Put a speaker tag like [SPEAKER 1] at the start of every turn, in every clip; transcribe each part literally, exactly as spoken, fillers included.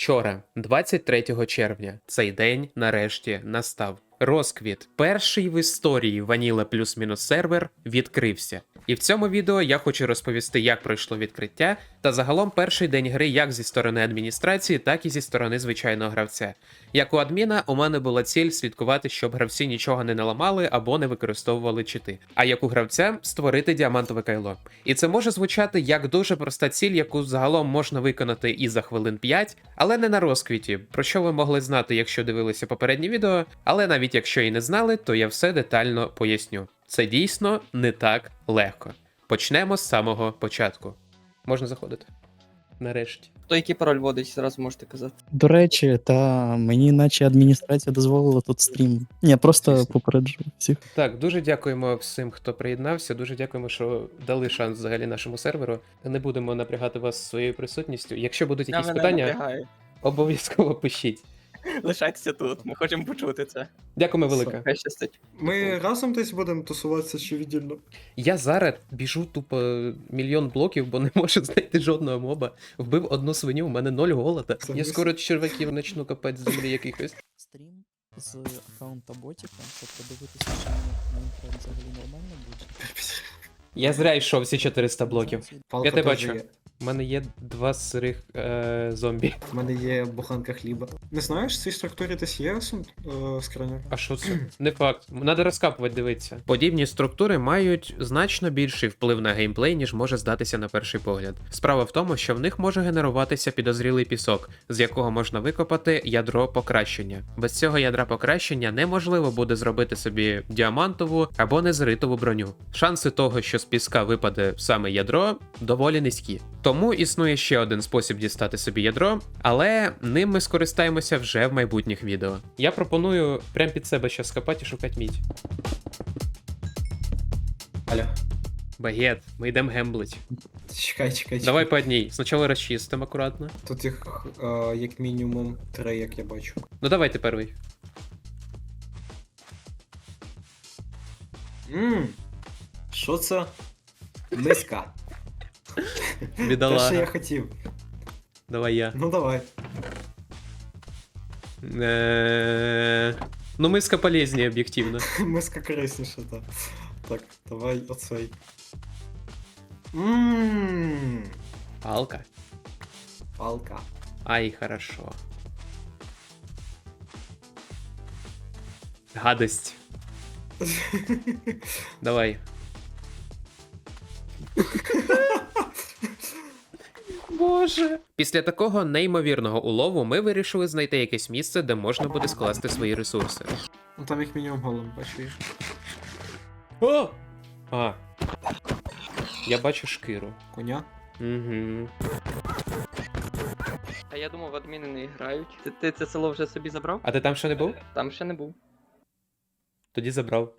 [SPEAKER 1] Вчора, двадцять третього червня, цей день нарешті настав. Розквіт. Перший в історії Vanilla плюс-мінус сервер відкрився. І в цьому відео я хочу розповісти, як пройшло відкриття, та загалом перший день гри як зі сторони адміністрації, так і зі сторони звичайного гравця. Як у адміна, у мене була ціль слідкувати, щоб гравці нічого не наламали або не використовували чити. А як у гравця створити діамантове кайло. І це може звучати як дуже проста ціль, яку загалом можна виконати і за хвилин п'ять, але не на розквіті, про що ви могли знати, якщо дивилися попереднє відео, але навіть якщо і не знали, то я все детально поясню. Це дійсно не так легко. Почнемо з самого початку. Можна заходити. Нарешті.
[SPEAKER 2] Хто який пароль вводить, зразу можете казати.
[SPEAKER 3] До речі, та мені наче адміністрація дозволила тут стрім. Ні, просто попереджую всіх.
[SPEAKER 1] Так, дуже дякуємо всім, хто приєднався. Дуже дякуємо, що дали шанс взагалі нашому серверу. Не будемо напрягати вас своєю присутністю. Якщо будуть якісь
[SPEAKER 2] Я мене
[SPEAKER 1] питання,
[SPEAKER 2] напрягаю.
[SPEAKER 1] обов'язково пишіть.
[SPEAKER 2] Лишайтеся тут, ми хочемо почути це.
[SPEAKER 1] Дякуємо велике.
[SPEAKER 2] Хай щастить.
[SPEAKER 4] Ми разом десь будемо тусуватися чи віддільно?
[SPEAKER 1] Я зараз біжу тупо мільйон блоків, бо не можу знайти жодного моба. Вбив одну свиню, у мене ноль голода.
[SPEAKER 4] Це
[SPEAKER 1] Я
[SPEAKER 4] мис-
[SPEAKER 1] скоро черваків почну копати з землі якихось.
[SPEAKER 3] Стрім з аккаунта ботіка, щоб подивитися, чи Майнкрафт взагалі нормально буде.
[SPEAKER 1] Я зря йшов всі чотириста блоків.
[SPEAKER 4] Палка
[SPEAKER 1] Я тебе
[SPEAKER 4] теж
[SPEAKER 1] бачу.
[SPEAKER 4] є.
[SPEAKER 1] У мене є два сирих е- зомбі.
[SPEAKER 4] У мене є буханка хліба. Не знаєш, в цій структурі десь є сум... е, скриня?
[SPEAKER 1] А що це? Не факт. Надо розкапувати, дивитися. Подібні структури мають значно більший вплив на геймплей, ніж може здатися на перший погляд. Справа в тому, що в них може генеруватися підозрілий пісок, з якого можна викопати ядро покращення. Без цього ядра покращення неможливо буде зробити собі діамантову або незритову броню. Шанси того, що з піска випаде саме ядро, доволі низькі. Тому існує ще один спосіб дістати собі ядро, але ним ми скористаємося вже в майбутніх відео. Я пропоную прямо під себе щас скопати і шукати мідь.
[SPEAKER 4] Аля.
[SPEAKER 1] Багет, ми йдемо гемблить.
[SPEAKER 4] Чекай, чекай, чекай.
[SPEAKER 1] Давай по одній. Спочатку розчистимо акуратно.
[SPEAKER 4] Тут їх е, як мінімум три, як я бачу.
[SPEAKER 1] Ну давайте перший.
[SPEAKER 4] Ммм. Що це? Миска. Те, що я
[SPEAKER 1] Бідолага.
[SPEAKER 4] хотів.
[SPEAKER 1] Давай я.
[SPEAKER 4] Ну давай.
[SPEAKER 1] Е, Ну миска полезнее, об'єктивно.
[SPEAKER 4] Миска корисніша, так. Так, давай оцей. Ммм.
[SPEAKER 1] Палка.
[SPEAKER 4] Палка.
[SPEAKER 1] Ай, хорошо. Гадость. Давай. Боже. Після такого неймовірного улову ми вирішили знайти якесь місце, де можна буде скласти свої ресурси.
[SPEAKER 4] Ну там як мінімум голим, бачиш.
[SPEAKER 1] О! А. Я бачу шкіру.
[SPEAKER 4] Коня.
[SPEAKER 1] Угу.
[SPEAKER 2] А я думав, адміни не грають. Ти, ти це село вже собі забрав?
[SPEAKER 1] А ти там ще не був?
[SPEAKER 2] Там ще не був.
[SPEAKER 1] Тоді забрав.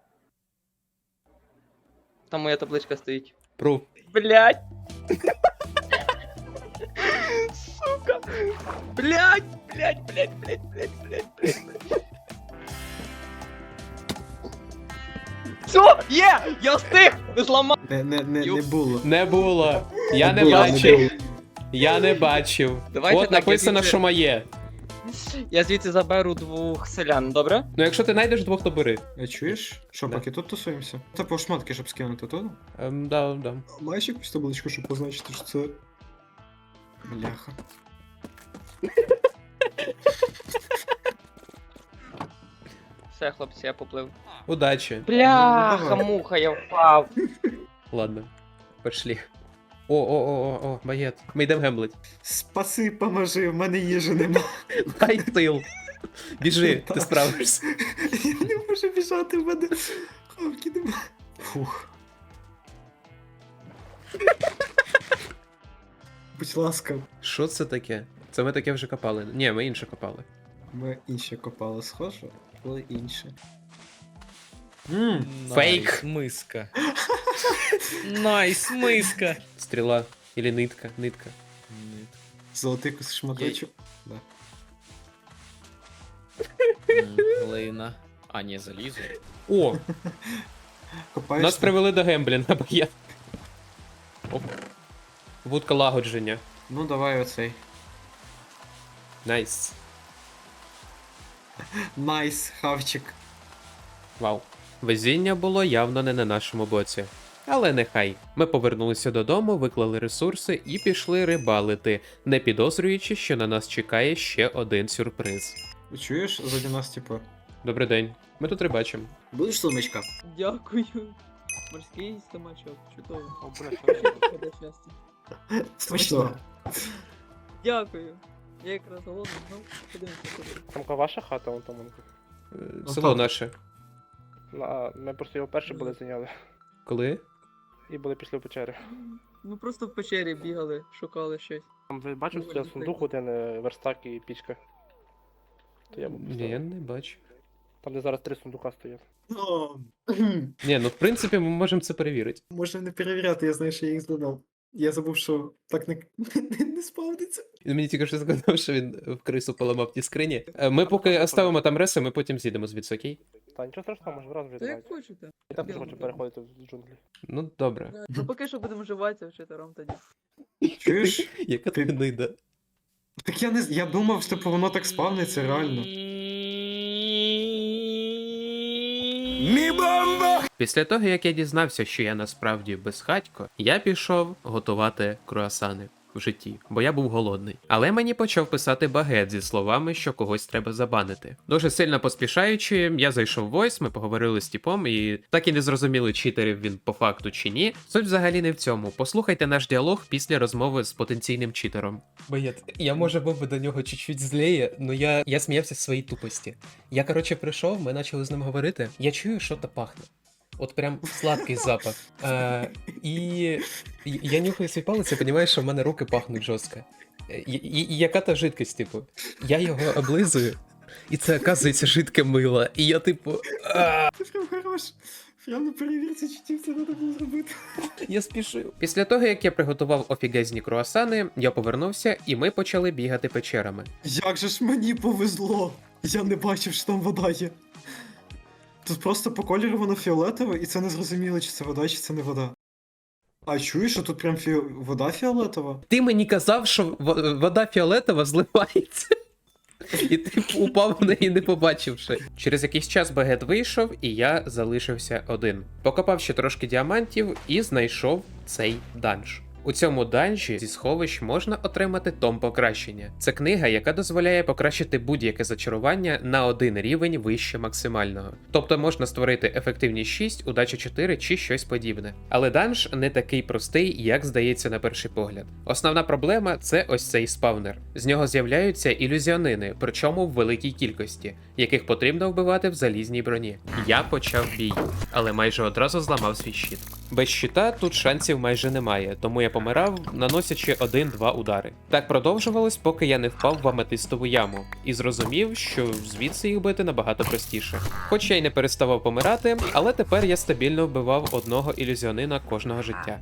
[SPEAKER 2] Там моя табличка стоїть.
[SPEAKER 1] Пруф.
[SPEAKER 2] Блять! Сука! Блять! Блять, блять, блять, блять, блять, блять. Все, є! Я встиг! Не зламав!
[SPEAKER 4] Не, не, не, не було.
[SPEAKER 1] Не було. Я не
[SPEAKER 4] було,
[SPEAKER 1] бачив.
[SPEAKER 4] було.
[SPEAKER 1] Я не бачив.
[SPEAKER 2] Давайте
[SPEAKER 1] От
[SPEAKER 2] так,
[SPEAKER 1] написано,
[SPEAKER 2] я звідси-
[SPEAKER 1] що моє.
[SPEAKER 2] Я звідси заберу двох селян, добре?
[SPEAKER 1] Ну якщо ти знайдеш двох, то бери.
[SPEAKER 4] А чуєш? Що,
[SPEAKER 1] Да.
[SPEAKER 4] поки тут тусуємося? Та по шматки, щоб скинути тут?
[SPEAKER 1] Ем, да, да.
[SPEAKER 4] Маєш якусь табличку, щоб позначити, що це. Бляха.
[SPEAKER 2] Все, хлопці, я поплив.
[SPEAKER 1] Удачі.
[SPEAKER 2] Бляха,
[SPEAKER 4] давай.
[SPEAKER 2] муха, я впав.
[SPEAKER 1] Ладно. Пошли. О, о, о, о, о, багет. Ми йдемо гемблить.
[SPEAKER 4] Спаси, поможи, в мене їжі нема.
[SPEAKER 1] Дай тил. Біжи, ти
[SPEAKER 4] Так.
[SPEAKER 1] справишся.
[SPEAKER 4] Я не можу біжати, в мене хавки нема. Фух. Будь ласка,
[SPEAKER 1] Що це таке? Це ми таке вже копали. Ні, ми інше копали.
[SPEAKER 4] ми інше копали схоже, але інше. Ммм,
[SPEAKER 1] Фейк.
[SPEAKER 5] Найс, миска. Найс, миска.
[SPEAKER 1] Стріла. Или нитка. Нитка.
[SPEAKER 4] золотий кус шматочок. Да.
[SPEAKER 5] М, Глина. А, ні, залізо.
[SPEAKER 1] О!
[SPEAKER 4] Копаєш?
[SPEAKER 1] Нас привели до гемблінга, багет. Оп. Вудка лагодження.
[SPEAKER 4] Ну давай оцей.
[SPEAKER 1] Найс.
[SPEAKER 4] Найс, хавчик.
[SPEAKER 1] Вау. Везіння було явно не на нашому боці. Але нехай. Ми повернулися додому, виклали ресурси і пішли рибалити, не підозрюючи, що на нас чекає ще один сюрприз.
[SPEAKER 4] Чуєш, заді нас, типу.
[SPEAKER 1] Добрий день. Ми тут рибачимо.
[SPEAKER 4] Будеш сумочка?
[SPEAKER 2] Дякую. Морський стомачок, чудово. Буде щастя.
[SPEAKER 4] Смачно.
[SPEAKER 2] Дякую. Я якраз голодний, ну, подивимося куди.
[SPEAKER 6] Тамка ваша хата, вон там. вон.
[SPEAKER 1] Е, Село наше.
[SPEAKER 6] А, ми просто його перші були зайняли.
[SPEAKER 1] Коли?
[SPEAKER 6] І були пішли в печері.
[SPEAKER 2] Ну просто в печері бігали, шукали щось.
[SPEAKER 6] Там ви бачите,
[SPEAKER 2] Ну,
[SPEAKER 6] це
[SPEAKER 2] ви
[SPEAKER 6] сундук один, е, верстак і пічка. То я був
[SPEAKER 1] Ні, я не бачу.
[SPEAKER 6] Там, де зараз три сундука стоять.
[SPEAKER 4] О,
[SPEAKER 1] Ні, ну в принципі ми можемо це перевірити.
[SPEAKER 4] можна не перевіряти, я знаю, що я їх здодав. Я забув, що так не, не, не спавниться.
[SPEAKER 1] Він мені тільки що сказав, що він в крису поламав ті скрині. Е, Ми поки оставимо там реси, ми потім з'їдемо звідси, окей?
[SPEAKER 6] Та нічого страшного, може враз вже
[SPEAKER 2] Та як
[SPEAKER 6] знають.
[SPEAKER 2] хочете.
[SPEAKER 6] Я так дуже
[SPEAKER 2] Я
[SPEAKER 6] хочу
[SPEAKER 2] не
[SPEAKER 6] переходити в джунглі.
[SPEAKER 1] Ну добре.
[SPEAKER 2] Да, Ну поки що будемо вживатися вчителем тоді.
[SPEAKER 4] Чуєш?
[SPEAKER 1] Яка ти гнида.
[SPEAKER 4] Так я не з- я думав, що типу, воно так спавниться, реально.
[SPEAKER 1] Після того, як я дізнався, що я насправді безхатько, я пішов готувати круасани в житті, бо я був голодний. Але мені почав писати багет зі словами, що когось треба забанити. Дуже сильно поспішаючи, я зайшов в Voice, ми поговорили з тіпом, і так і не зрозуміли, читерів він по факту чи ні. Суть взагалі не в цьому. Послухайте наш діалог після розмови з потенційним читером. Багет, я може був би до нього чуть-чуть злеє, але я, я сміявся з своїй тупості. Я, коротше, прийшов, ми почали з ним говорити. Я чую, що то пахне. От прям сладкий запах. Е, і і я нюхаю свій палець і розумію, що в мене руки пахнуть жорстко. І, і, і яка та жидкость, типу? Я його облизую, і це, оказується, жидке мило. І я, типу, а,
[SPEAKER 4] Ти прям хорош. Прям на перевірці читів це треба було зробити.
[SPEAKER 1] я спішив. Після того, як я приготував офігезні круасани, я повернувся, і ми почали бігати печерами.
[SPEAKER 4] Як же ж мені повезло! Я не бачив, що там вода є. Тут просто по кольору воно фіолетове, і це не зрозуміло, чи це вода, чи це не вода. А чуєш, що тут прям фі... вода фіолетова?
[SPEAKER 1] Ти мені казав, що в- вода фіолетова зливається. І ти упав в неї, не побачивши. Через якийсь час багет вийшов, і я залишився один. Покопав ще трошки діамантів і знайшов цей данж. У цьому данжі зі сховищ можна отримати том покращення. Це книга, яка дозволяє покращити будь-яке зачарування на один рівень вище максимального. Тобто можна створити ефективність шість, удача чотири чи щось подібне. Але данж не такий простий, як здається на перший погляд. Основна проблема це ось цей спавнер. З нього з'являються ілюзіонини, причому в великій кількості, яких потрібно вбивати в залізній броні. Я почав бій, але майже одразу зламав свій щит. Без щита тут шансів майже немає, тому я помирав, наносячи один-два удари. Так продовжувалось, поки я не впав в аметистову яму, і зрозумів, що звідси їх бити набагато простіше. Хоч я й не переставав помирати, але тепер я стабільно вбивав одного ілюзіонина кожного життя.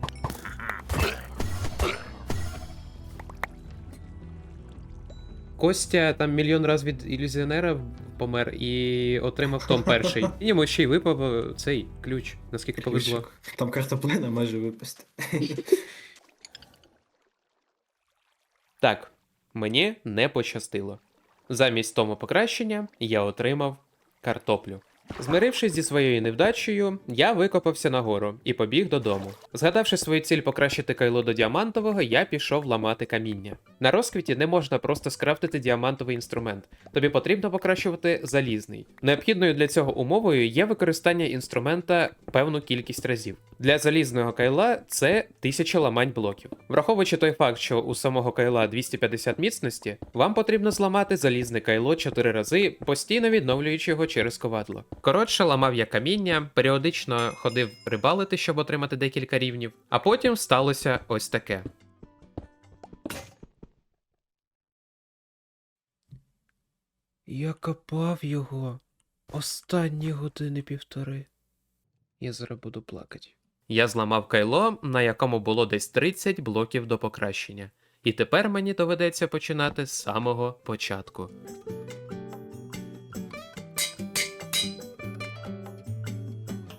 [SPEAKER 1] Костя там мільйон раз від ілюзіонера помер і отримав том перший. І йому ще й випав е, цей ключ, наскільки повезло.
[SPEAKER 4] Ключик. Там картоплина майже випасти.
[SPEAKER 1] Так, мені не пощастило. Замість тому покращення я отримав картоплю. Змирившись зі своєю невдачею, я викопався нагору і побіг додому. Згадавши свою ціль покращити кайло до діамантового, я пішов ламати каміння. На розквіті не можна просто скрафтити діамантовий інструмент. Тобі потрібно покращувати залізний. Необхідною для цього умовою є використання інструмента певну кількість разів. Для залізного кайла це тисяча ламань блоків. Враховуючи той факт, що у самого кайла двісті п'ятдесят міцності, вам потрібно зламати залізне кайло чотири рази, постійно відновлюючи його через ковадло. Коротше, ламав я каміння, періодично ходив рибалити, щоб отримати декілька рівнів, а потім сталося ось таке. Я копав його останні години півтори. Я зараз буду плакати. Я зламав кайло, на якому було десь тридцять блоків до покращення. І тепер мені доведеться починати з самого початку.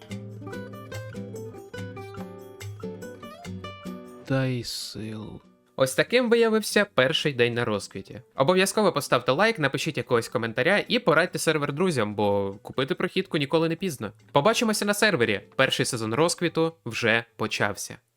[SPEAKER 1] Дай сил. Ось таким виявився перший день на розквіті. Обов'язково поставте лайк, напишіть якогось коментаря і порадьте сервер друзям, бо купити прохідку ніколи не пізно. Побачимося на сервері. Перший сезон розквіту вже почався.